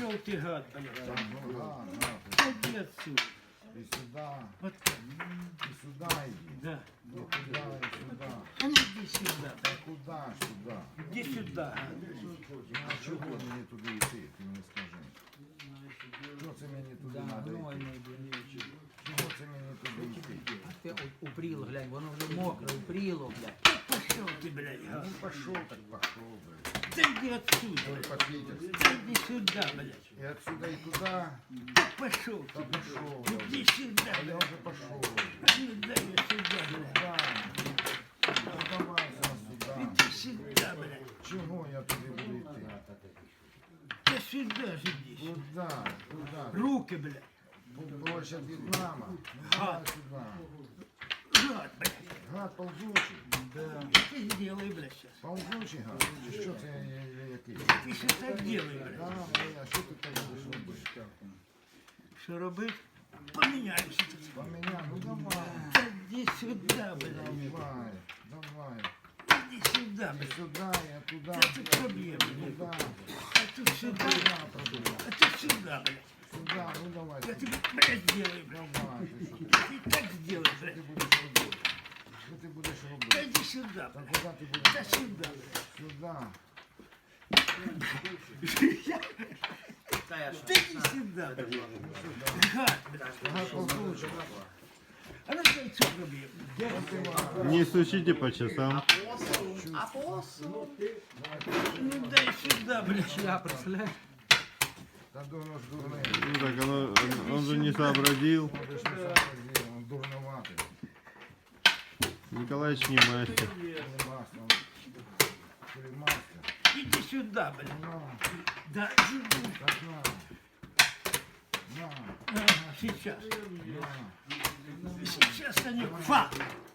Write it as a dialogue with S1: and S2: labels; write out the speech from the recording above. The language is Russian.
S1: пошел ты, гад, блядь.
S2: Так, ну, гад.
S1: Иди отсюда.
S2: И сюда,
S1: Вот так.
S2: и сюда иди.
S1: Да.
S2: И туда, и сюда.
S1: А ну иди сюда.
S2: Та куда сюда?
S1: Иди сюда.
S2: А чого мені туди йти, ти мені скажи? Чого це мені туди треба йти?
S3: Гнойний, блін.
S2: Чого це мені туди йти?
S3: А ти упріло, глянь, воно вже мокре, упріло, блядь.
S1: Пошел ты, блядь, гад.
S2: Ну пошел так пошел, блядь.
S1: Да иди отсюда.
S2: Ой, попитер.
S1: Да иди сюда, блядь.
S2: И отсюда и туда.
S1: Пошел
S2: Да
S1: ты.
S2: пошел. я
S1: Иди
S2: уже.
S1: сюда,
S2: А я
S1: блядь.
S2: уже пошел.
S1: А ну дай я сюда, блядь.
S2: Да. Ну, давай сюда.
S1: Иди сюда, блядь.
S2: Чего я туди буду йти?
S1: Да сюда же иди.
S2: Куда? Куда?
S1: Руки, блядь.
S2: Площадь от Вьетнама. Ну, давай сюда.
S1: Гад, блядь.
S2: Гад ползучий.
S1: Да. Ты сделай, блядь, сейчас.
S2: Ползучий гад. Чи що це який?
S1: Ты что так делай, блядь.
S2: Да, моя, що ти так будеш робити?
S1: Что робить? Поменяемся тут.
S2: Поменяй, ну давай.
S1: Да иди сюда, блядь.
S2: Давай, давай.
S1: Иди сюда,
S2: И
S1: блядь.
S2: сюда, и оттуда.
S1: Да тут проблемы, блядь.
S2: Туда.
S1: А тут сюда.
S2: Сюда проблема.
S1: А тут сюда, блядь.
S2: Сюда, ну давай.
S1: Я тебе, блядь, сделаю, блядь.
S2: Давай, ти що?
S1: Ты так сделай,
S2: Що
S1: блядь.
S2: ти будеш робити? Що ти будеш
S1: Да
S2: робити?
S1: иди сюда,
S2: Та
S1: блядь.
S2: куди ти будеш?
S1: Да сюда, блядь.
S2: Сюда.
S1: Да иди сюда, блядь. Гад, блядь.
S2: Гад ползучий.
S1: А ну дай что проблема?
S4: Не стучите по часам.
S1: Ну дай сюда, блядь.
S3: Я представляю.
S2: Та воно ж дурне.
S4: Ну так он же не сообразил.
S2: Ти ж не сообразив, він дурноватий.
S4: Николаевич не мастер.
S2: Не мастер. Ти мастер.
S1: Иди сюда, блядь.
S2: На,
S1: Да, иди.
S2: так на. На,
S1: Ага, сейчас.
S2: на.
S1: Сейчас они... Фа!